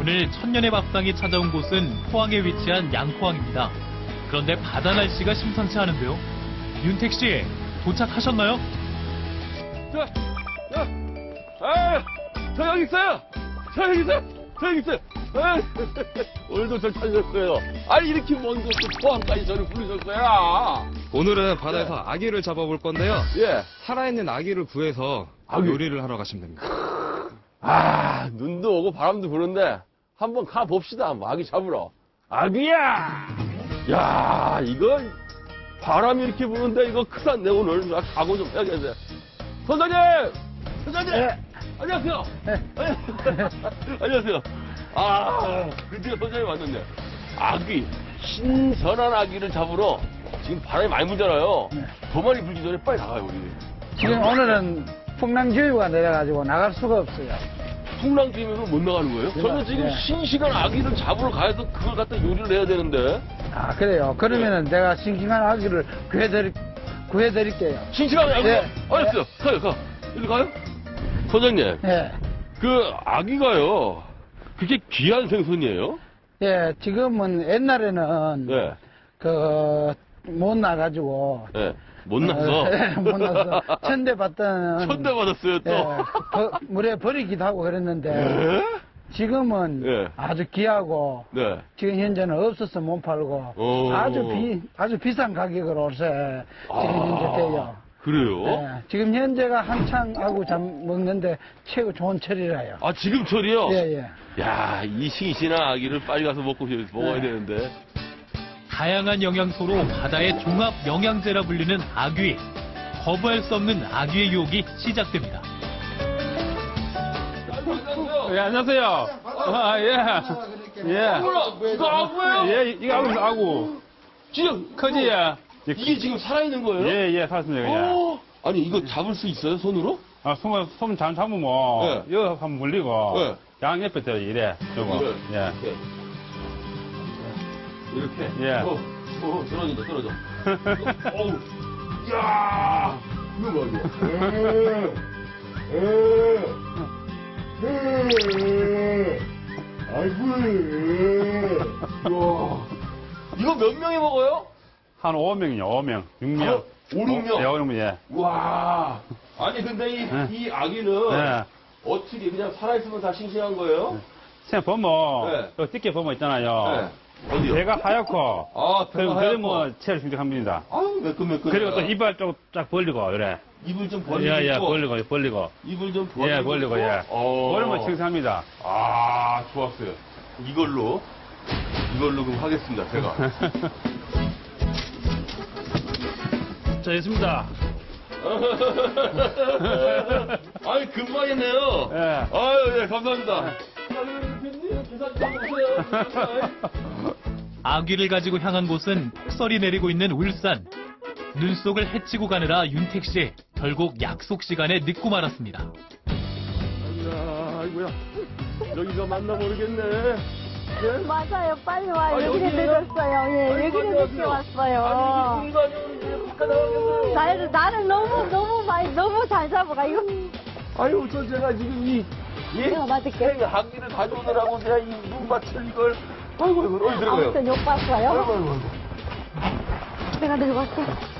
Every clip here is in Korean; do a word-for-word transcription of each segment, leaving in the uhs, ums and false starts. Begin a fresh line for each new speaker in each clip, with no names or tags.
오늘 천년의 밥상이 찾아온 곳은 포항에 위치한 양포항입니다. 그런데 바다 날씨가 심상치 않은데요. 윤택 씨, 도착하셨나요?
자, 자, 아, 저 여기 있어요. 저 여기 있어요. 저 여기 있어요. 아, 오늘도 저 찾으셨어요. 아니 이렇게 먼 곳도 포항까지 저를 부르셨어요.
오늘은 바다에서 네. 아기를 잡아볼 건데요.
예.
살아있는 아기를 구해서
아기.
요리를 하러 가시면 됩니다.
아, 눈도 오고 바람도 부는데 한번 가 봅시다. 뭐 아기 잡으러. 아기야. 야, 이거 바람이 이렇게 부는데 이거 큰일 났네 오늘. 나 각오 좀 해야겠네. 선장님! 선장님!
네.
안녕하세요!
네.
안녕하세요. 아, 드디어 선장님 왔는데. 아기, 신선한 아기를 잡으러 지금 바람이 많이 불잖아요.
네.
더 많이 불기 전에 빨리 나가요, 우리.
지금 오늘은 풍랑주의보가 내려가지고 나갈 수가 없어요.
풍랑주의면 못 나가는 거예요? 저는 지금
네.
싱싱한 아기를 잡으러 가서 그걸 갖다 요리를 해야 되는데.
아, 그래요. 그러면은 내가 싱싱한 아기를 구해드릴, 구해드릴게요.
싱싱한 아기?
네.
알았어요. 가요, 가. 일로 가요? 선장님,
예.
그 아기가요, 그렇게 귀한 생선이에요?
예, 지금은 옛날에는
네.
그, 못 나가지고.
네. 못 나서?
어, 못 나서. 천대받던.
천대받았어요, 또?
예, 버- 물에 버리기도 하고 그랬는데.
네?
지금은
예.
아주 귀하고.
네.
지금 현재는 없어서 못 팔고.
오.
아주 비, 아주 비싼 가격으로 요새 지금
아,
현재 돼요.
그래요?
예, 지금 현재가 한창 하고 잠 먹는데 최고 좋은 철이라요.
아, 지금 철이요?
예, 예.
야, 이 싱싱한 아기를 빨리 가서 먹고, 먹어야
네.
되는데.
다양한 영양소로 바다의 종합 영양제라 불리는 아귀. 거부할 수 없는 아귀의 유혹이 시작됩니다.
예, 안녕하세요. 아, 예. 예.
어머나, 이거 아구예요?
예, 이거 아구, 아구.
지금,
크지, 예.
이게 지금 살아있는 거예요?
예, 예, 살았습니다, 예.
어? 아니, 이거 잡을 수 있어요, 손으로?
아, 손, 손 잘 잡으면,
네.
여기 한번 물리고,
네.
양 옆에 저 이래, 요거.
네.
예.
이렇게. 이렇게.
예.
어, 어, 떨어진다, 떨어져. 어우, 야 이거 봐, 이거. 아이고. 이거 몇 명이 먹어요?
한 오 명이요, 오 명. 육 명.
오, 육 명?
예, 오 명, 예.
와. 아니, 근데 이,
네.
이 아기는
예.
어떻게 그냥 살아있으면 다 싱싱한 거예요?
생 보면,
네.
요 띠게 보면 있잖아요.
네. 어디요?
배가 하얗고,
아,
그리고
배가
그러면
하얗고.
체를 싱싱합니다.
아유, 매끈매끈.
그리고 또 이발 좀 쫙 벌리고, 이래.
입을 좀 벌리고.
예, 예, 벌리고, 벌리고.
입을 좀 벌리고.
예, 벌리고, 예.
어.
벌리면 싱싱합니다.
아, 좋았어요. 이걸로, 이걸로 그럼 하겠습니다, 제가.
자, 됐습니다.
아니, 금방 했네요.
예.
아유, 예, 감사합니다. 아유, 대표님, 계산 좀 해주세요.
아귀를 가지고 향한 곳은 폭설이 내리고 있는 울산. 눈 속을 헤치고 가느라 윤택 씨 결국 약속 시간에 늦고 말았습니다.
아이고야, 아이고야. 여기가 맞나 모르겠네. 예?
맞아요. 빨리 와요.
아,
여기는
여기요?
늦었어요. 예,
아이고,
여기는
안녕하세요.
늦게 왔어요.
아니, 이게 공간이 이렇게 바깥 나가겠어요.
나를, 나를 너무, 너무 많이, 너무 잘 잡아가. 이거.
아유, 저 제가 지금 이, 예?
내가 맞을게.
생 학기를 가져오느라고 제가 이 눈밭을 이걸, 아이고, 아이고, 어디 들어가요?
아무튼 욕
아이고,
봤어요.
아이고, 아이고.
내가 늙었어.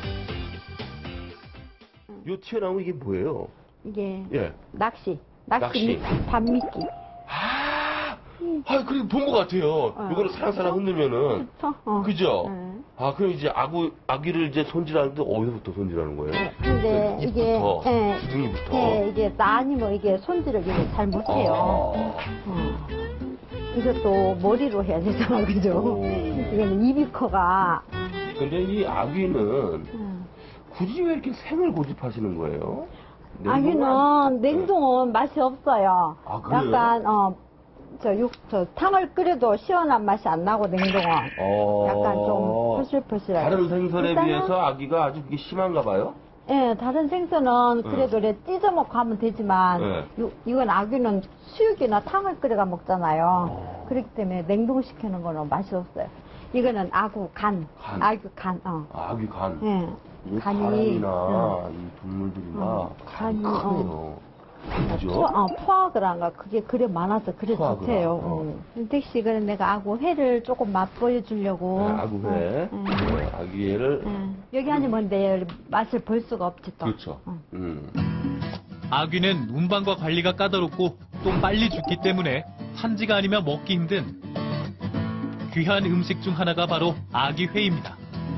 요 튀어나온 이게 뭐예요?
이게
예.
낚시. 낚시.
낚시.
미- 밤미끼.
아, 아, 그래, 본 것 같아요.
어.
요거를 사랑사랑 흔들면은.
어, 어.
그죠?
네.
아, 그럼 이제 아구, 아기를 이제 손질하는데 어디서부터 손질하는 거예요?
근데 이게,
입부터,
예,
기둥이부터.
예, 이게 나 아니면 이게 손질을 이게 잘 못해요.
아.
어. 이것도 머리로 해야 되잖아, 그죠?
오.
이거는 입이 커가.
근데 이 아기는
음.
굳이 왜 이렇게 생을 고집하시는 거예요?
아기는 냉동은 맛이 없어요.
아, 그래요?
약간, 어, 저 육, 저 탕을 끓여도 시원한 맛이 안 나고, 냉동은.
어...
약간 좀 포실포실하게.
다른 생선에
일단은-
비해서 아기가 아주 그게 심한가 봐요?
예, 다른 생선은 그래도 이렇게 찢어먹고 하면 되지만,
네.
요- 이건 아기는 수육이나 탕을 끓여가 먹잖아요.
어.
그렇기 때문에 냉동시키는 거는 맛이 없어요. 이거는 아구 간,
간.
아구 간, 어.
아, 아기 간.
예.
이
간이,
사람이나
응.
이 동물들이나
응.
간이
간이,
크네요. 그죠?
포, 어, 포아그라인가 그게 그래 많아서 그래
포아그라,
좋대요.
어.
음. 윤택씨 그래 내가 아구 회를 조금 맛보여 주려고.
네, 아구회,
음.
네, 아귀회를
음. 여기 아니면 내 맛을 볼 수가 없지 또.
그렇죠.
음.
음.
아귀는 운반과 관리가 까다롭고 또 빨리 죽기 때문에 산지가 아니면 먹기 힘든 귀한 음식 중 하나가 바로 아귀회입니다.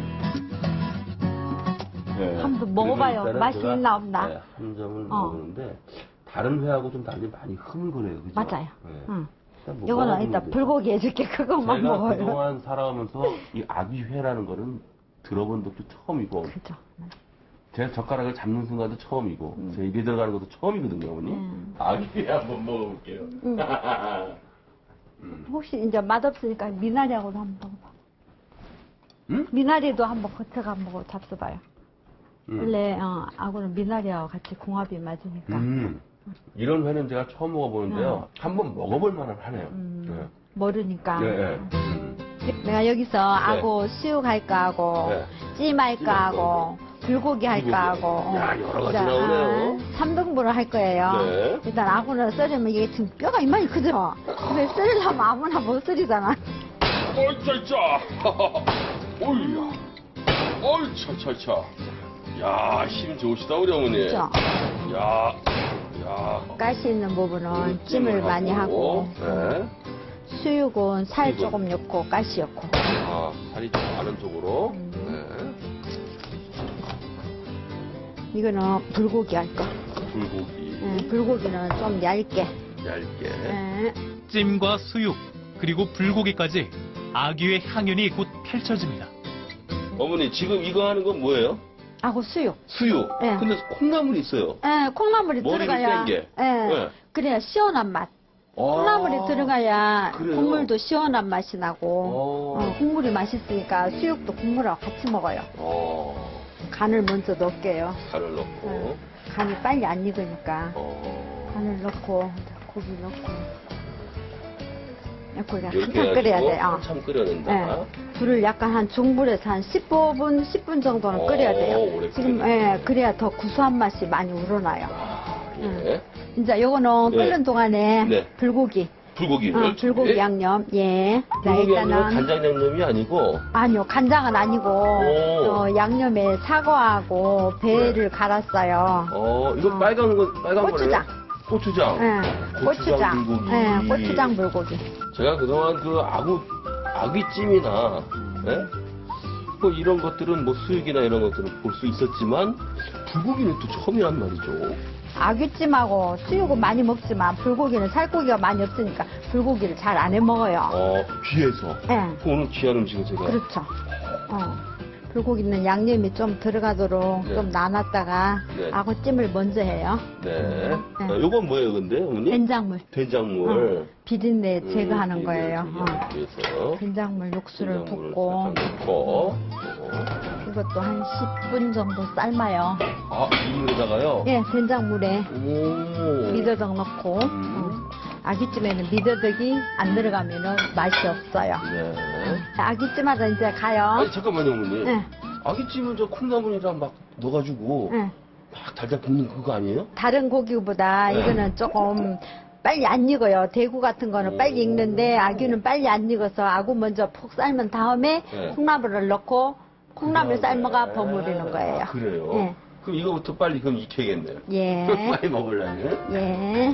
네.
한번 먹어봐요.
그래서 일단은
맛이
제가,
있나 없나.
네, 한 점을
어.
먹었는데 다른 회하고 좀 달리 많이 흐물거려요. 그죠?
맞아요.
네.
응.
일단 뭐
이거는
먹어보면
일단
돼요.
불고기 해줄게. 그것만
제가
먹어요.
그동안 살아오면서 이 아귀회라는 거는 들어본 적도 처음이고
그죠.
제 젓가락을 잡는 순간도 처음이고
음.
제 입에 들어가는 것도 처음이거든요, 어머니.
음.
아귀회 한번 먹어볼게요.
음. 혹시 이제 맛없으니까 미나리하고도 한번 먹어봐.
음?
미나리도 한번 거쳐가 먹어 잡숴봐요.
음.
원래 어, 아구는 미나리하고 같이 궁합이 맞으니까.
음. 이런 회는 제가 처음 먹어보는데요. 한번 먹어볼 만은 하네요.
음, 모르니까.
네. 네, 네. 음.
내가 여기서 아구 수육 할까 하고
네.
찜 할까 하고 불고기 할까
불고기.
하고
야, 여러 가지
일단,
나오네요.
아, 삼 등분을 할 거예요.
네.
일단 아구는 썰으면 이게 지금 뼈가 이만히 크죠? 근데 썰으려면 아무나 못 썰이잖아.
어이, 짜짜! 어이야. 어이, 차차차. 야, 힘 좋으시다, 우리 어머니.
그죠?
야, 야.
가시 있는 부분은 찜을 많이 하고
네.
수육은 살
수육은?
조금 넣고 가시 넣고.
아, 살이 좀 많은 쪽으로.
음.
네.
이거는 불고기 할 거.
불고기.
음, 불고기는 좀 얇게.
얇게.
음,
찜과 수육 그리고 불고기까지 아귀의 향연이 곧 펼쳐집니다.
어머니, 지금 이거 하는 건 뭐예요?
아구 수육.
수육.
네.
근데 콩나물이 있어요.
예, 콩나물이
머리를
들어가야.
뗀 게.
예,
네.
그래야 시원한 맛.
아,
콩나물이 들어가야
그래요?
국물도 시원한 맛이 나고,
어.
어, 국물이 맛있으니까 수육도 국물하고 같이 먹어요.
어,
간을 먼저 넣을게요.
간을 넣고.
네. 간이 빨리 안 익으니까
어.
간을 넣고 고기 넣고. 고기가
이렇게
한참 끓여야
해가지고
돼요. 어.
한참 끓여낸다.
네. 불을 약간 한 중불에서 한 십오 분, 십 분 정도는
오,
끓여야 돼요.
오래
지금,
끓여야
예, 그래야 더 구수한 맛이 많이 우러나요.
아, 예.
이제 요거는
네.
끓는 동안에
네.
불고기.
불고기를.
어, 불고기 양념, 예. 자,
불고기 양념은
일단은.
간장 양념이 아니고.
아니요, 간장은 아니고,
오.
어, 양념에 사과하고 배를 갈았어요.
어, 이거
어.
빨간 거, 빨간 거네요?
고추장.
고추장.
예,
고추장
고추장.
불고기.
예, 고추장 불고기.
제가 그동안 그 아구, 아귀찜이나, 예? 뭐 이런 것들은 뭐 수육이나 이런 것들은 볼 수 있었지만, 불고기는 또 처음이란 말이죠.
아귀찜하고 수육은 많이 먹지만 불고기는 살코기가 많이 없으니까 불고기를 잘 안 해 먹어요.
어, 귀해서.
예,
오늘 귀한 음식은 제가.
그렇죠. 어. 불고기는 양념이 좀 들어가도록
네.
좀 나눴다가
네.
아구찜을 먼저 해요.
네.
네.
자, 요건 뭐예요, 근데, 어머니?
된장물.
된장물.
어, 비린내
음,
제거하는
비린내
거예요. 어.
제거하기 위해서.
된장물 육수를
된장물을
붓고
살짝 넣고.
이것도 한 십 분 정도 삶아요.
아, 이 물에다가요?
예, 된장물에
오.
미더덕 넣고
음.
어. 아귀찜에는 미더덕이 안 들어가면 맛이 없어요.
네.
아귀찜하다 이제 가요.
아니, 잠깐만요, 어머니.
네.
아귀찜은 저 콩나물이랑 막 넣어가지고
예.
막 달달 볶는 그거 아니에요?
다른 고기보다
네.
이거는 조금 빨리 안 익어요. 대구 같은 거는
오.
빨리 익는데 아귀는 빨리 안 익어서 아구 먼저 푹 삶은 다음에
네.
콩나물을 넣고 콩나물
그다음에.
삶아가 버무리는 거예요.
아, 그래요?
예.
그럼 이거부터 빨리 그럼 익혀야겠네요.
예.
빨리 먹으려면.
예.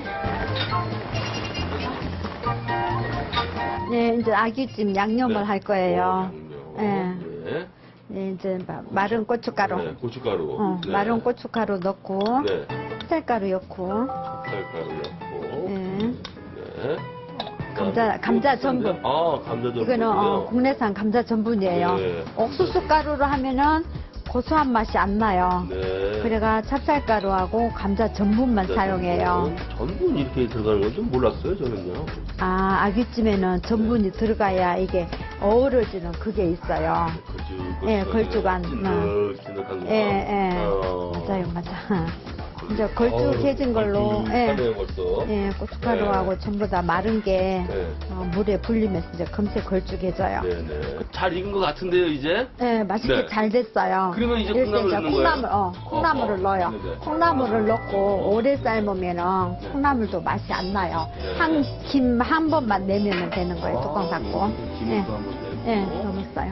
네, 이제 아귀찜 양념을
네.
할 거예요.
오,
예.
양념. 네.
네, 이제 마- 마른 고춧가루.
네, 고춧가루.
어,
네.
마른 고춧가루 넣고,
네.
찹쌀가루 넣고,
찹쌀가루 넣고.
예.
네.
감자, 감자 전분.
아, 감자 전분.
이거는 어, 국내산 감자 전분이에요.
네.
옥수수 가루로 하면은 고소한 맛이 안 나요.
네.
그래가 찹쌀가루하고 감자 전분만 사용해요.
전분 이렇게 들어가는 건 좀 몰랐어요, 저는요.
아, 아귀찜에는 전분이 들어가야 이게 어우러지는 그게 있어요.
걸쭉,
예, 걸쭉한,
찐득찐득한 거.
예, 예.
어.
맞아요, 맞아. 이제 걸쭉해진 걸로, 예,
하네요 벌써.
예, 고춧가루하고
네.
전부 다 마른 게
네.
어, 물에 불리면서 이제 금세 걸쭉해져요.
네네. 잘 익은 것 같은데요 이제?
네, 맛있게
네.
잘 됐어요.
그러면 이제
이럴 때
콩나물 넣는 거예요?
콩나물, 어, 콩나물을
어허.
넣어요.
네네.
콩나물을 넣고 오래 삶으면은
네.
콩나물도 맛이 안 나요.
네.
한, 김 한 번만 내면 되는 거예요, 뚜껑 닫고.
아, 김을
예,
또 한번 내고.
예, 넣었어요.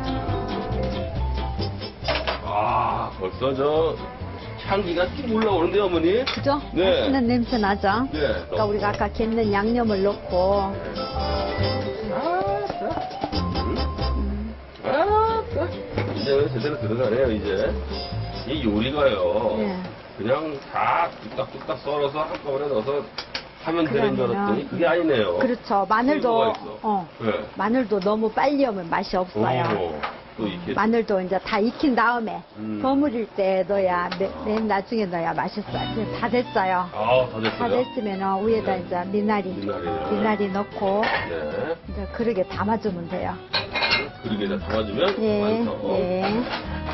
아, 벌써 저 향기가 쭉 올라오는데요, 어머니?
그죠?
네.
맛있는 냄새 나죠?
네.
그러니까 우리가 아까 갯는 양념을 넣고,
아, 이제 제대로 들어가네요, 이제. 이 요리가요.
네.
그냥 다 뚝딱뚝딱 썰어서 한꺼번에 넣어서 하면 되는 줄
그러면은-
알았더니 그게 아니네요.
그렇죠. 마늘도,
소스가 있어.
어,
네.
마늘도 너무 빨리 하면 맛이 없어요.
오, 또 이렇게.
마늘도 이제 다 익힌 다음에
음.
버무릴 때 넣어야 맨, 맨 나중에 넣어야 맛있어요. 이제 다 됐어요.
아, 다
다
됐어요?
됐으면 위에다
네.
이제 미나리
미나리를.
미나리 넣고
네.
이제 그릇에 담아주면 돼요.
그릇에다 담아주면
예,
완성.
예.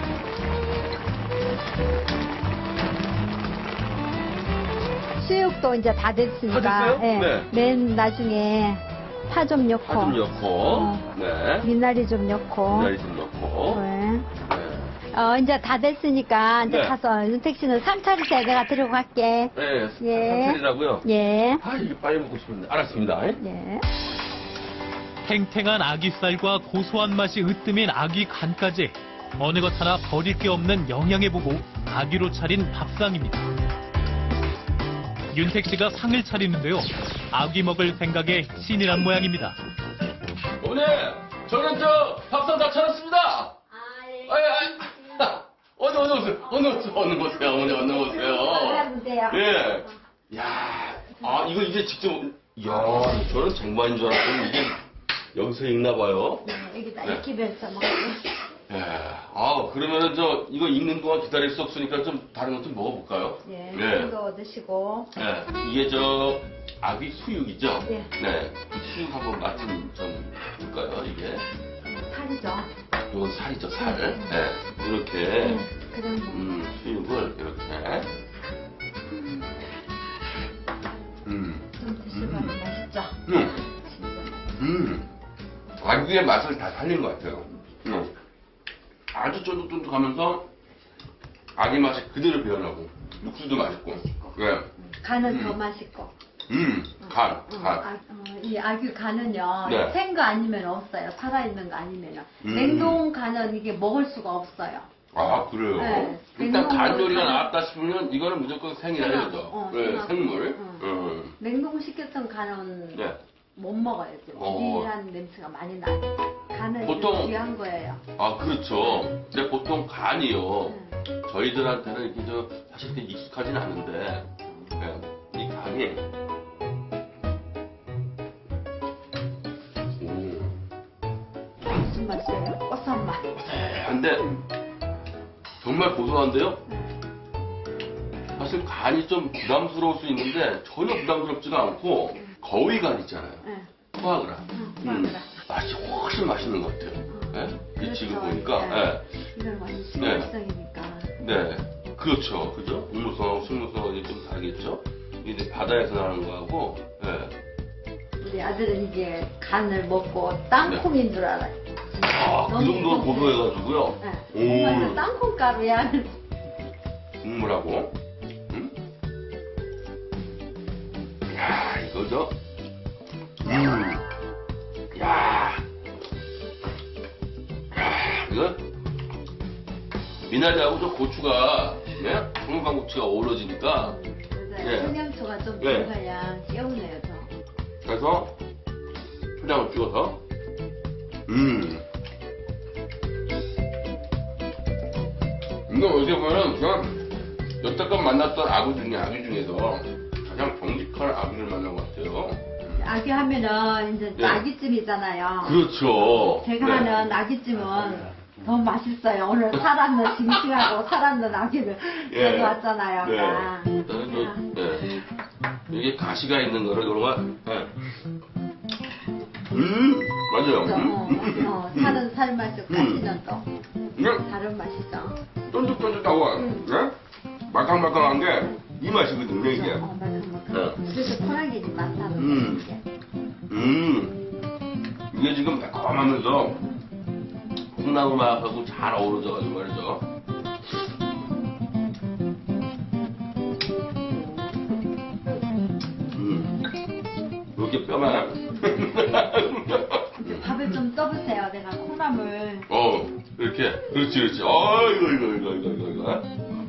수육도 이제 다 됐으니까
다 됐어요?
예,
네.
맨 나중에 파 좀 넣고
파 좀 넣고,
어.
네.
미나리 좀 넣고
미나리 좀 넣고,
네.
네.
어, 이제 다 됐으니까 이제
네.
가서 윤택 씨는 삼차리째 내가 들고 갈게.
네,
예.
삼차리라고요?
예.
아, 이게 빨리 먹고 싶은데. 알았습니다.
예.
탱탱한 아귀살과 고소한 맛이 으뜸인 아귀 간까지 어느 것 하나 버릴 게 없는 영양에 보고 아귀로 차린 밥상입니다. 윤택 씨가 상을 차리는데요. 아귀 먹을 생각에 신이 난 모양입니다.
어머니, 저는 저 밥상 다 차렸습니다.
아, 예.
아이, 아이. 어느, 어느 오세요. 어느 오세요. 어느 오세요. 어머니, 어느 오세요.
하면 돼요.
예. 야, 아, 이거 이제 직접, 이야, 저는 쟁반인 줄 알았더니 이게 여기서 익나 봐요.
네, 여기다
네.
익히면서 먹고.
예. 아, 그러면은 저, 이거 익는 동안 기다릴 수 없으니까 좀 다른 것 좀 먹어볼까요?
예.
예.
이거 드시고.
예. 이게 저, 아귀 수육이죠?
예.
네. 그 수육 한번 맛 좀, 좀 볼까요, 이게?
살이죠.
이건 살이죠, 살.
네.
네. 이렇게,
예. 그런 거.
음, 수육을 이렇게. 음.
좀 드시면
음.
맛있죠.
음.
진짜.
음. 아귀의 맛을 다 살린 것 같아요. 음. 아주 쫀득쫀득하면서 아귀 맛이 그대로 배어나고 육수도 맛있고. 네.
간은
음.
더 맛있고.
음. 간,
어,
간.
아, 어, 이 아귀 간은요,
네.
생 거 아니면 없어요. 살아있는 거 아니면요.
음.
냉동 간은 이게 먹을 수가 없어요.
아, 그래요?
네.
일단 간
냉동으로
요리가
간-
나왔다 싶으면 이거는 무조건 생이라
생하고,
해야죠.
어,
네,
생하고.
생물.
응.
음.
냉동시켰던 간은
네.
못 먹어요.
어.
비릿한 냄새가 많이 나요. 간은
보통-
귀한 거예요.
아, 그렇죠. 근데 보통 간이요.
네.
저희들한테는 이렇게 저, 사실 그렇게 익숙하진 않은데, 네, 이 간이, 오,
무슨 맛이에요? 고소한 맛.
근데, 정말 고소한데요? 사실 간이 좀 부담스러울 수 있는데, 전혀 부담스럽지가 않고, 거위 간 있잖아요.
네.
포아그라.
응,
음,
포아그라.
맛이 훨씬 맛있는 것 같아요. 네? 이 지금
그렇죠.
보니까,
네.
네.
이건 완전 식물성이니까.
네, 그렇죠. 그죠? 동물성하고 식물성하고 좀 다르겠죠? 이제 바다에서 나는 거하고, 네.
우리 아들은 이제 간을 먹고 땅콩인 줄 알아요.
아, 그
너무
정도로
고소해요.
고소해가지고요.
네. 정말
오,
땅콩 가루야.
국물하고, 음? 야, 이거죠? 음, 야, 야, 이거, 미나리하고 저 고추가, 네? 청양고추가 어우러지니까, 네.
청양초가 좀
네.
들어가야 개운해요, 더.
그래서 초장을 찍어서 음 이거 어떻게 보면 그냥 여태껏 만났던 아구 중에 아귀 중에서 가장 정직한 아귀를 만난 것 같아요.
아귀 하면은 이제
네.
아귀찜이잖아요.
그렇죠.
제가
네.
하는 아귀찜은 더 맛있어요. 오늘 살았는 싱싱하고 살았는 아귀를
예.
가져왔잖아요.
네.
아까.
일단은 저, 네. 이게 가시가 있는 거를 그런 거. 네. 음 맞아요.
그죠? 어,
음.
어, 살은 살 맛이고 가시는 또
이게
다른 맛이죠.
쫀득쫀득하고
음.
네? 말캉말캉한 게 이 맛이거든요, 이게.
어, 맞아, 맞아.
어.
그래서 콜라겐이 많다는
음.
거지.
음, 이게 지금 매콤하면서 콩나물 맛하고 잘 어우러져가지고 말이죠. 음, 이렇게 뼈만.
밥을 좀 떠보세요. 내가 콩나물.
어, 이렇게. 그렇지, 그렇지. 어, 이거, 이거, 이거, 이거, 이거, 이거.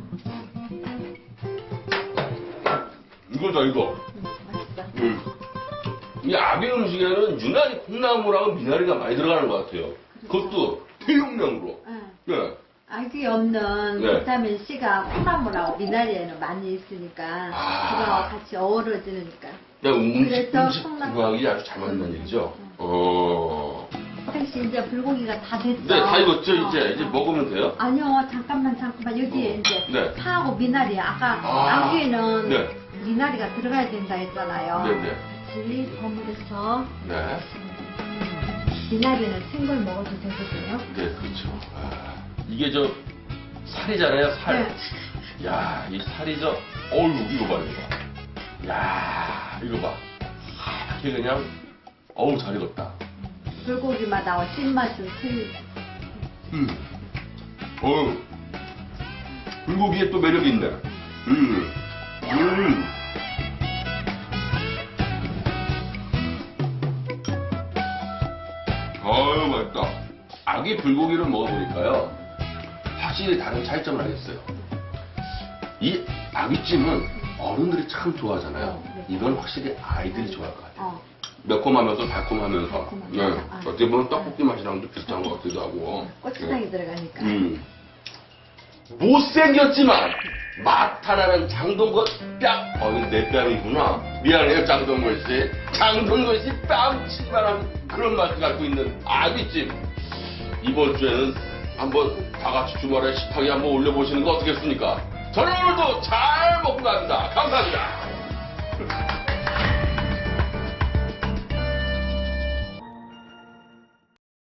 이거다, 이거.
맛있어.
음. 이 아기 음식에는 유난히 콩나물하고 미나리가 많이 들어가는 것 같아요. 그것도 대용량으로.
응.
네.
알기 없는
네.
비타민 C가 콩나물하고 미나리에는 많이 있으니까
아.
그거와 같이 어우러지니까.
야, 음식,
그래서
음식
콩나물.
구하기 아주 잘 맞는 얘기죠? 어.
택시 이제 불고기가 다 됐어.
네, 다 익었죠, 이제.
어,
이제
어.
먹으면 돼요?
아니요, 잠깐만, 잠깐만. 여기에
어.
이제
네.
파하고 미나리. 아까
아.
아기에는
네.
미나리가 들어가야 된다 했잖아요.
네네.
같이 버무려서
네.
미나리는 생걸 먹어도 되거든요.
네, 그렇죠. 아, 이게 저, 살이잖아요, 살.
네.
야, 이 살이 저, 어우, 이거 봐, 이거 봐. 야, 이거 봐. 하얗게 그냥, 어우, 잘 익었다.
불고기마다 찐맛은 틀.
음. 어우. 불고기에 또 매력이 있네. 음. 음. 아유, 맛있다. 아기 불고기를 먹어보니까요, 확실히 다른 차이점을 알겠어요. 이 아기찜은 어른들이 참 좋아하잖아요.
어, 네.
이건 확실히 아이들이 좋아할 것 같아요.
어.
매콤하면서 달콤하면서.
달콤하면서.
네.
아.
어떻게 보면 떡볶이 맛이랑도 비슷한 것 같기도 하고.
고추장이 들어가니까.
음. 못생겼지만 맛 하나는 장동건 뺨. 어, 이거 내 뺨이구나. 미안해요, 장동건 씨. 장동건 씨 뺨치기만한 그런 맛을 갖고 있는 아귀찜. 이번 주에는 한번 다 같이 주말에 식탁에 한번 올려보시는 거 어떻겠습니까? 저는 오늘도 잘